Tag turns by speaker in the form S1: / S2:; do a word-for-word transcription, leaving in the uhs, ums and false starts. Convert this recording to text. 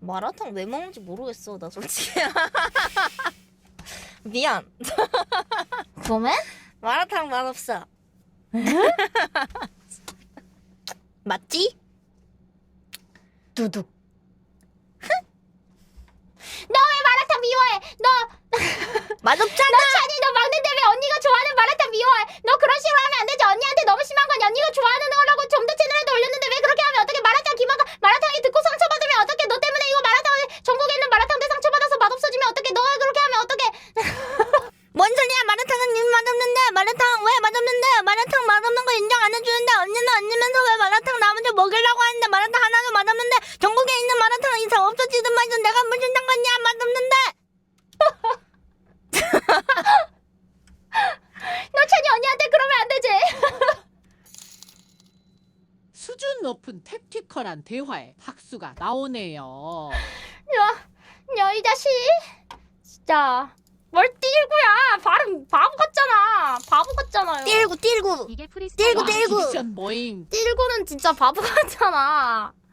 S1: 마라탕 왜 먹는지 모르겠어 나 솔직히. 미안.
S2: 그러면?
S1: 마라탕 맛없어. 맞지?
S2: 두둑. 너 왜 마라탕 미워해? 너
S1: 맛없잖아.
S2: 너 찬이 너 막는데 왜 언니가 좋아하는 마라탕 미워해? 너 그런 식으로 하면 안 되지. 언니한테 너무 심한 건 언니가 좋아하는 거라고 좀 더 채널에도 올렸는데 왜 그렇게 하면 어떻게? 마라탕 기마가 마라탕이 듣고 상처받으면 어떻게? 너 때문에 이거 마라탕 전국에 있는 마라탕들 상처받아서 맛없어지면 어떻게? 너가 그렇게 하면 어떻게?
S1: 뭔 소리야? 마라탕은 님 맛없는데. 마라탕 왜 맛없는데? 마라탕 맛없는 거 인정 안 해주는데 언니는 언니면서 왜 마라탕 나 먼저 먹이려고 하는데 마라탕 하나도 맛없는데 전국에 있는 마라탕 이상 없어지든 말든 내가 무슨 상관이야? 맛없는데.
S2: 너 찬이 언니한테 그러면 안 되지.
S3: 수준 높은 택티컬한 대화에 박수가 나오네요.
S2: 야, 야 이 자식. 진짜. 뭘 띠구야. 발음 바보 같잖아. 바보 같잖아요.
S1: 띨고 띨고
S4: 이게 프리스타일.
S1: 띨고
S3: 와,
S1: 띨고
S3: 디딕션 모임.
S2: 띠구는 진짜 바보 같잖아.